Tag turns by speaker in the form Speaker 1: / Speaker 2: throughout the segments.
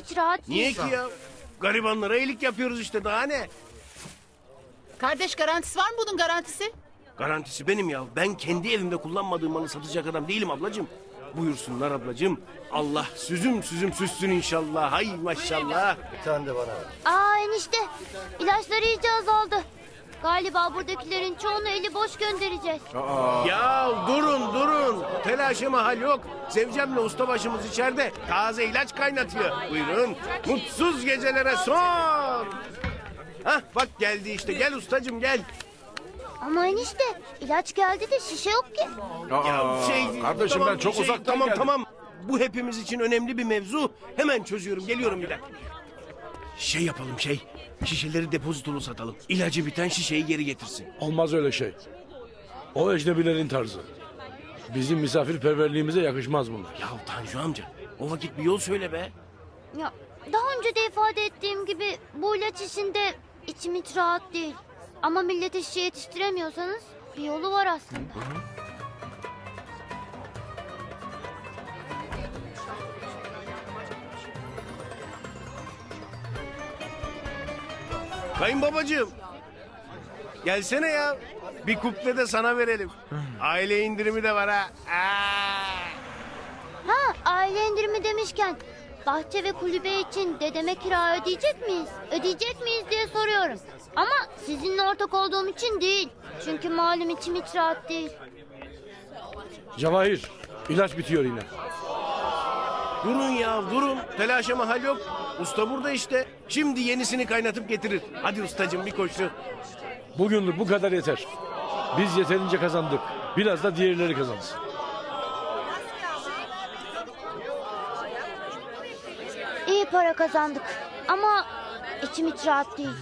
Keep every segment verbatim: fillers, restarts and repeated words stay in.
Speaker 1: hiç rahat değil.
Speaker 2: Niye ki ya? Garibanlara iyilik yapıyoruz işte, daha ne?
Speaker 3: Kardeş, garantisi var mı bunun garantisi?
Speaker 2: Garantisi benim ya. Ben kendi evimde kullanmadığım malı satacak adam değilim ablacığım. Buyursunlar ablacığım. Allah süzüm süzüm süssün inşallah. Hay maşallah.
Speaker 4: Bir tane de bana ver.
Speaker 1: Aa enişte, ilaçları iyice azaldı. Galiba buradakilerin çoğunu eli boş göndereceğiz.
Speaker 2: Ya durun durun. Telaşa mahal yok. Zevcemle ustabaşımız içeride. Taze ilaç kaynatıyor. Buyurun. Mutsuz gecelere son. Hah bak geldi işte. Gel ustacığım gel.
Speaker 1: Ama enişte, ilaç geldi de şişe yok ki.
Speaker 2: Ya şey,
Speaker 5: kardeşim ben çok
Speaker 2: şey,
Speaker 5: uzaktan
Speaker 2: Tamam
Speaker 5: geldim.
Speaker 2: tamam. Bu hepimiz için önemli bir mevzu. Hemen çözüyorum. Geliyorum bir dakika. Şey yapalım şey. Şişeleri depozitolu satalım. İlacı biten şişeyi geri getirsin.
Speaker 5: Olmaz öyle şey. O ecnebilerin tarzı. Bizim misafirperverliğimize yakışmaz bunlar.
Speaker 2: Ya Tanju amca o vakit bir yol söyle be.
Speaker 1: Ya daha önce de ifade ettiğim gibi bu ilaç işinde içim hiç rahat değil. Ama millete şişe yetiştiremiyorsanız bir yolu var aslında.
Speaker 2: Kayınbabacığım. Gelsene ya. Bir kuple de sana verelim. Aile indirimi de var ha. Aa!
Speaker 1: Ha, aile indirimi demişken bahçe ve kulübe için dedeme kira ödeyecek miyiz? Ödeyecek miyiz diye soruyorum. Ama sizinle ortak olduğum için değil. Çünkü malum içim hiç rahat değil.
Speaker 5: Cevahir, ilaç bitiyor yine.
Speaker 2: Durun ya durun. Telaşa mahal yok. Usta burada işte. Şimdi yenisini kaynatıp getirir. Hadi ustacığım bir koşu.
Speaker 5: Bugünlük bu kadar yeter. Biz yeterince kazandık. Biraz da diğerleri kazansın.
Speaker 1: İyi para kazandık. Ama içim hiç rahat değil.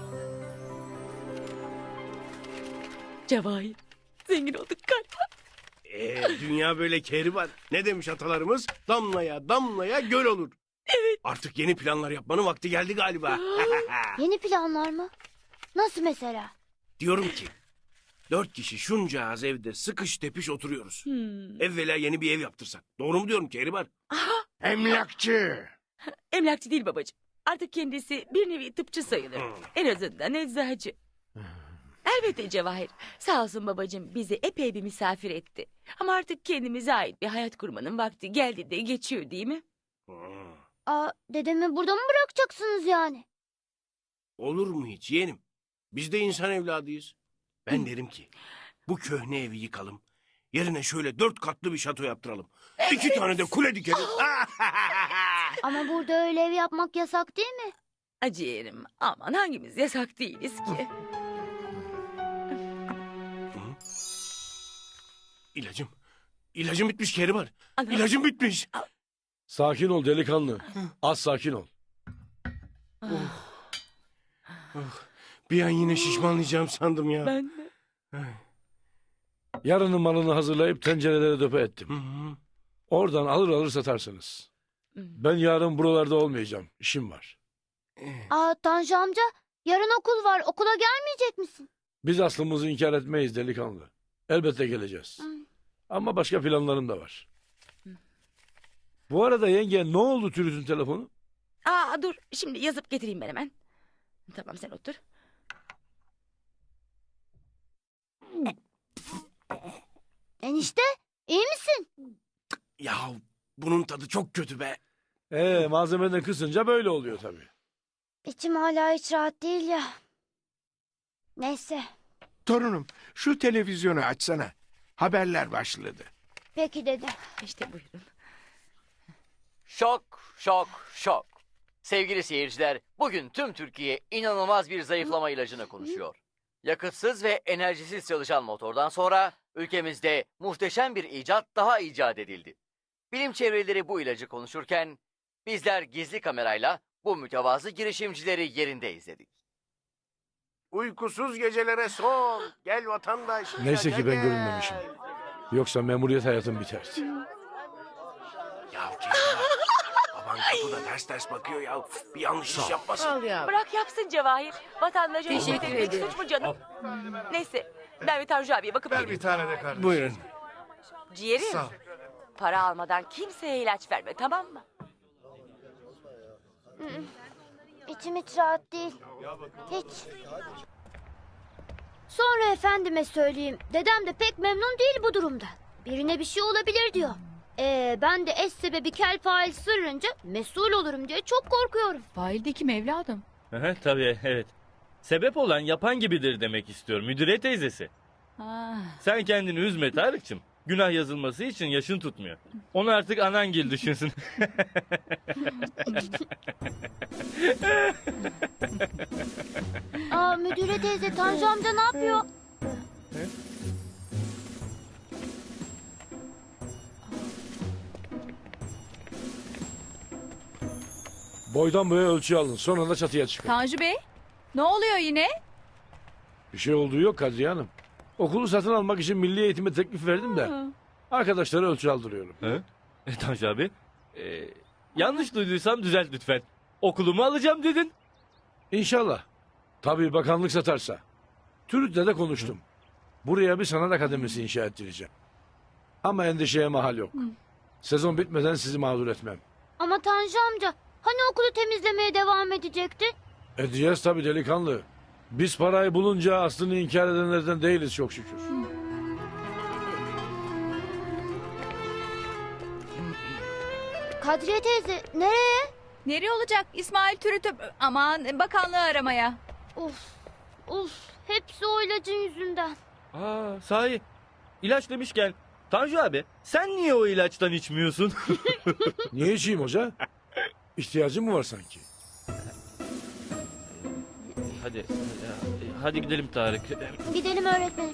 Speaker 6: Cevahir, zengin olduk galiba.
Speaker 2: Ee, dünya böyle kehribar. Ne demiş atalarımız? Damlaya damlaya göl olur.
Speaker 6: Evet.
Speaker 2: Artık yeni planlar yapmanın vakti geldi galiba.
Speaker 1: Yeni planlar mı? Nasıl mesela?
Speaker 2: Diyorum ki dört kişi şunca az evde sıkış tepiş oturuyoruz.
Speaker 6: Hmm.
Speaker 2: Evvela yeni bir ev yaptırsak. Doğru mu diyorum Kehribar?
Speaker 4: Emlakçı.
Speaker 6: Emlakçı değil babacığım. Artık kendisi bir nevi tıpçı sayılır.
Speaker 2: Hmm.
Speaker 6: En azından eczacı. Elbette Cevahir. Sağ olsun babacığım bizi epey bir misafir etti. Ama artık kendimize ait bir hayat kurmanın vakti geldi de geçiyor değil mi?
Speaker 2: Hmm.
Speaker 1: Aa, dedemi burada mı bırakacaksınız yani?
Speaker 2: Olur mu hiç yeğenim? Biz de insan evladıyız. Ben derim ki bu köhne evi yıkalım. Yerine şöyle dört katlı bir şato yaptıralım. İki tane de kule dikelim.
Speaker 1: Ama burada öyle ev yapmak yasak değil mi?
Speaker 6: Acı yerim. Aman hangimiz yasak değiliz ki.
Speaker 2: İlacım. İlacım bitmiş Kehribar.
Speaker 6: Ana.
Speaker 2: İlacım bitmiş.
Speaker 5: Sakin ol delikanlı. Az sakin ol.
Speaker 2: Bir an yine şişmanlayacağım sandım ya.
Speaker 6: Ben de.
Speaker 5: Yarının malını hazırlayıp tencerelere döpe ettim.
Speaker 2: Hı hı.
Speaker 5: Oradan alır alır satarsınız. Ben yarın buralarda olmayacağım. İşim var.
Speaker 1: Aa, Tanju amca, yarın okul var. Okula gelmeyecek misin?
Speaker 5: Biz aslımızı inkar etmeyiz delikanlı. Elbette geleceğiz.
Speaker 1: Hı.
Speaker 5: Ama başka planlarım da var. Bu arada yenge ne oldu Türüt'ün telefonu?
Speaker 6: Aa dur şimdi yazıp getireyim ben hemen. Tamam sen otur.
Speaker 1: Enişte, iyi misin?
Speaker 2: Ya bunun tadı çok kötü be.
Speaker 5: Ee, malzemeden kısınca böyle oluyor tabii.
Speaker 1: İçim hala hiç rahat değil ya. Neyse,
Speaker 7: Torunum şu televizyonu açsana. Haberler başladı.
Speaker 1: peki dede.
Speaker 6: İşte buyurun.
Speaker 8: Şok, şok, şok. Sevgili seyirciler, bugün tüm Türkiye inanılmaz bir zayıflama ilacını konuşuyor. Yakıtsız ve enerjisiz çalışan motordan sonra ülkemizde muhteşem bir icat daha icat edildi. Bilim çevreleri bu ilacı konuşurken bizler gizli kamerayla bu mütevazı girişimcileri yerinde izledik.
Speaker 2: Uykusuz gecelere son. Gel vatandaş.
Speaker 5: Neyse
Speaker 2: gel,
Speaker 5: ki ben
Speaker 2: gel.
Speaker 5: görünmemişim. Yoksa memuriyet hayatım biterdi.
Speaker 2: Ya Kehribar. Baban kapıda ters ters bakıyor ya. Bir yanlış iş yapmasın.
Speaker 3: Al ya.
Speaker 6: Bırak yapsın Cevahir. Vatandaşa
Speaker 3: Teşekkür
Speaker 6: hizmet etmek
Speaker 3: ederim.
Speaker 6: suç mu canım? Neyse ben bir Tanju abiye bakıp
Speaker 4: Ver
Speaker 6: geleyim.
Speaker 4: bir tane de kardeşim.
Speaker 2: Buyurun.
Speaker 6: Ciğerim.
Speaker 4: Sağ ol.
Speaker 6: Para almadan kimseye ilaç verme tamam mı?
Speaker 1: İçim hiç rahat değil. Hiç. Sonra efendime söyleyeyim. Dedem de pek memnun değil bu durumda. Birine bir şey olabilir diyor. Ee, ben de eş sebebi kel fail sırrınca mesul olurum diye çok korkuyorum.
Speaker 9: Fail de kim evladım?
Speaker 10: Aha, tabii evet. Sebep olan yapan gibidir demek istiyor müdüre teyzesi.
Speaker 9: Ha.
Speaker 10: Sen kendini üzme Tarık'cığım. Günah yazılması için yaşın tutmuyor. Onu artık anangil düşünsün.
Speaker 1: Aa, müdüre teyze Tanju amca ne yapıyor?
Speaker 5: Boydan boya ölçü alın. Sonra da çatıya çıkın.
Speaker 9: Tanju Bey, ne oluyor yine?
Speaker 5: Bir şey olduğu yok Kadriye Hanım. Okulu satın almak için milli eğitime teklif verdim de. Arkadaşlara ölçü aldırıyorum.
Speaker 10: He? E, Tanju abi. e, yanlış duyduysam düzelt lütfen. Okulumu alacağım dedin.
Speaker 5: İnşallah. Tabii bakanlık satarsa. TÜRİT'le de konuştum. Buraya bir sanat akademisi inşa ettireceğim. Ama endişeye mahal yok. Sezon bitmeden sizi mağdur etmem.
Speaker 1: Ama Tanju amca hani okulu temizlemeye devam edecekti?
Speaker 5: Edeceğiz tabii delikanlı. Biz parayı bulunca aslını inkar edenlerden değiliz çok şükür.
Speaker 1: Kadriye teyze nereye?
Speaker 9: Nereye olacak? İsmail Türüt'ü aman bakanlığı aramaya.
Speaker 1: Of of hepsi o ilacın yüzünden.
Speaker 10: Aa, sahi. İlaç demişken Tanju abi sen niye o ilaçtan içmiyorsun?
Speaker 5: Niye içeyim hoca? İhtiyacın mı var sanki?
Speaker 10: hadi hadi gidelim Tarık.
Speaker 1: Gidelim öğretmenim.